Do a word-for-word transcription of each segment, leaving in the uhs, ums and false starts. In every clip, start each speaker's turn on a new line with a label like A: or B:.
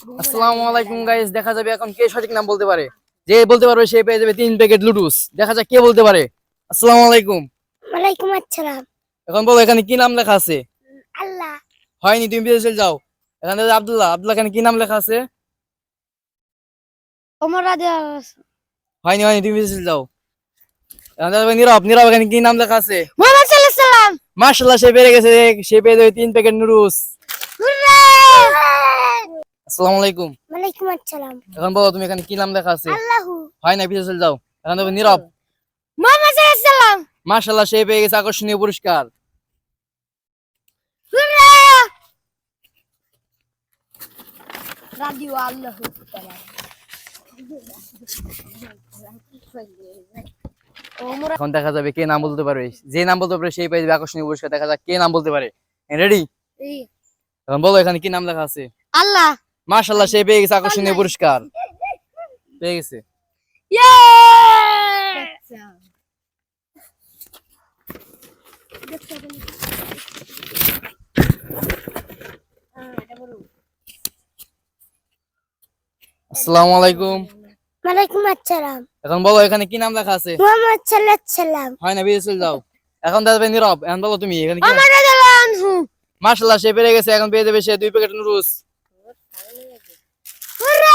A: আসসালামু আলাইকুম গাইস, দেখা যাবে এখন কে সঠিক নাম বলতে পারে। যে বলতে পারবে সে পেয়ে যাবে তিন প্যাকেট লুডুস। দেখা যাক কে বলতে পারে। আসসালামু আলাইকুম।
B: ওয়ালাইকুম আসসালাম।
A: এখন বলো এখানে কি নাম লেখা আছে?
B: আল্লাহ।
A: হয়নি, তুমি বিদেশে চলে যাও। এখানে আছে আব্দুল্লাহ। আব্দুল্লাহ এখানে কি নাম লেখা আছে?
B: ওমর রাদিয়াল্লাহু।
A: হয়নি হয়নি, তুমি বিদেশে চলে যাও। এখানে আছে নীরব। নীরব এখানে কি নাম লেখা আছে?
B: মুহাম্মদ সাল্লাল্লাহু আলাইহি সাল্লাম।
A: মাশাআল্লাহ, সে পেরে গেছে। সে পেয়ে যাবে তিন প্যাকেট নুডলস।
B: হুররে!
A: আসসালামু আলাইকুম।
B: ওয়ালাইকুম আসসালাম।
A: এখন বলো তুমি এখানে কি নাম লেখা আছে?
B: আল্লাহু।
A: হয় না, বিদেশে চলে যাও। এখন দেখো নীরব।
B: মুহাম্মদ সাল্লাল্লাহু আলাইহি সাল্লাম।
A: মাশাআল্লাহ, সে পেয়ে গেছে আকর্ষণীয় পুরস্কার।
B: হুররে! রাদিও আল্লাহু তাআলা।
A: এখন দেখা যাবে কে নাম বলতে পারবে। যে নাম বলতে পারবে সেই পেয়ে যাবে আকর্ষণীয় পুরস্কার। দেখা যাক কে নাম বলতে পারে। রেডি? এখন বলো এখানে কি নাম লেখা আছে?
B: আল্লাহ।
A: মাশাআল্লাহ, সে পেয়ে গেছে আকর্ষণীয় পুরস্কার। পেয়ে গেছে।
B: ইয়ে!
A: আসসালামু আলাইকুম।
B: ওয়ালাইকুম আসসালাম।
A: এখন বলো এখানে কি নাম লেখা আছে?
B: মুহাম্মদ সাল্লাল্লাহু আলাইহি সাল্লাম।
A: হয় না, বিদেশে চলে যাও। এখন দেখা যাবে নীরব। এখন বলো তুমি এখানে কি?
B: ওমর রাদিয়াল্লাহু আনহু।
A: মাশাআল্লাহ, সে পেরে গেছে। এখন পেয়ে যাবে সে দুই প্যাকেট নুডলস।
B: হুররে!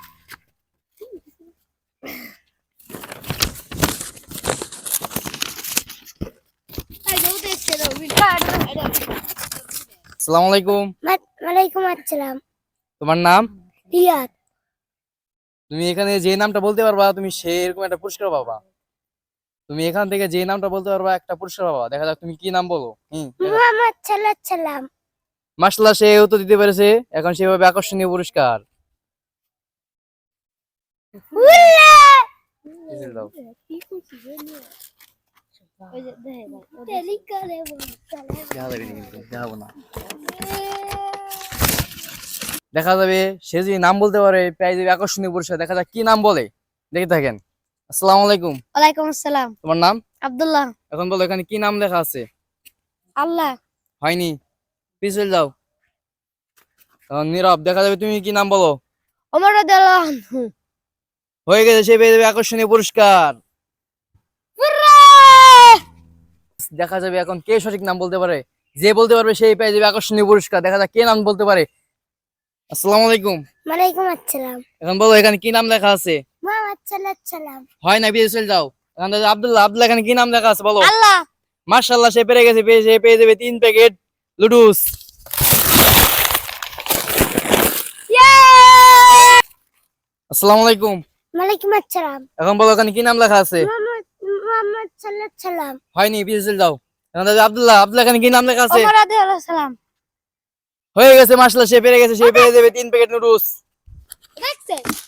A: আসসালামু আলাইকুম।
B: ওয়ালাইকুম আসসালাম।
A: তোমার নাম?
B: রিয়াদ।
A: তুমি এখানে যে নামটা বলতে পারবা তুমি সে এরকম একটা পুরস্কার পাবা। তুমি এখান থেকে যে নামটা বলতে পারবা একটা পুরস্কার পাবা। দেখা যাক তুমি কি নাম বলো। হুম,
B: মুহাম্মদ সাল্লাল্লাহু আলাইহি সাল্লাম।
A: মাশাআল্লাহ, সে উত্তর দিতে পেরেছে। এখন সেভাবে আকর্ষণীয় পুরস্কার।
B: হুররে!
A: দিতে দাও। দেখা যাবে কিন্তু, দেখাবো না। দেখা যাবে সে যদি নাম বলতে পারে পেয়ে যাবে আকর্ষণীয় পুরস্কার। দেখা যাক কি নাম বলে। দেখে থাকেন। আসসালামু আলাইকুম।
B: ওয়ালাইকুম আসসালাম।
A: তোমার নাম?
B: আব্দুল্লাহ।
A: এখন বলো এখানে কি নাম লেখা আছে?
B: আল্লাহ।
A: হয়নি, পিছলে যাও। এখন নীরব। দেখা যাবে তুমি কি নাম বলো।
B: ওমর রাদিয়াল্লাহু আনহু।
A: হয়ে গেছে, সে পেয়ে যাবে আকর্ষণীয় পুরস্কার। দেখা যাবে এখন কে সঠিক নাম বলতে পারে। যে বলতে পারবে সেই পেয়ে যাবে আকর্ষণীয় পুরস্কার। দেখা যাক কে নাম বলতে পারে। আসসালামু আলাইকুম।
B: ওয়ালাইকুম আসসালাম।
A: এখন বলো এখানে কি নাম লেখা আছে?
B: মুহাম্মদ সাল্লাল্লাহু আলাইহি সাল্লাম।
A: হয় না, বিদেশে চলে যাও। এখন দেখা যাবে আব্দুল্লাহ। আব্দুল্লাহ এখানে কি নাম লেখা আছে বলো।
B: আল্লাহ।
A: মাশাআল্লাহ, সে পেরে গেছে। পেয়ে সে পেয়ে যাবে তিন প্যাকেট লুডুস।
B: ইয়ে!
A: আসসালামু আলাইকুম।
B: ওয়ালাইকুম আসসালাম।
A: এখন বলো এখানে কি নাম লেখা আছে?
B: মুহাম্মদ মুহাম্মদ সাল্লাল্লাহু আলাইহি সাল্লাম।
A: হয়নি, বিদেশে চলে যাও। এখন দেখা যাবে আব্দুল্লাহ। আব্দুল্লাহ এখানে কি নাম লেখা আছে?
B: ওমর রাদিয়াল্লাহু সাল্লাম।
A: হয়ে গেছে। মাশাআল্লাহ, সে পেরে গেছে। সে পেয়ে যাবে তিন প্যাকেট নুডলস।
B: দেখছেন?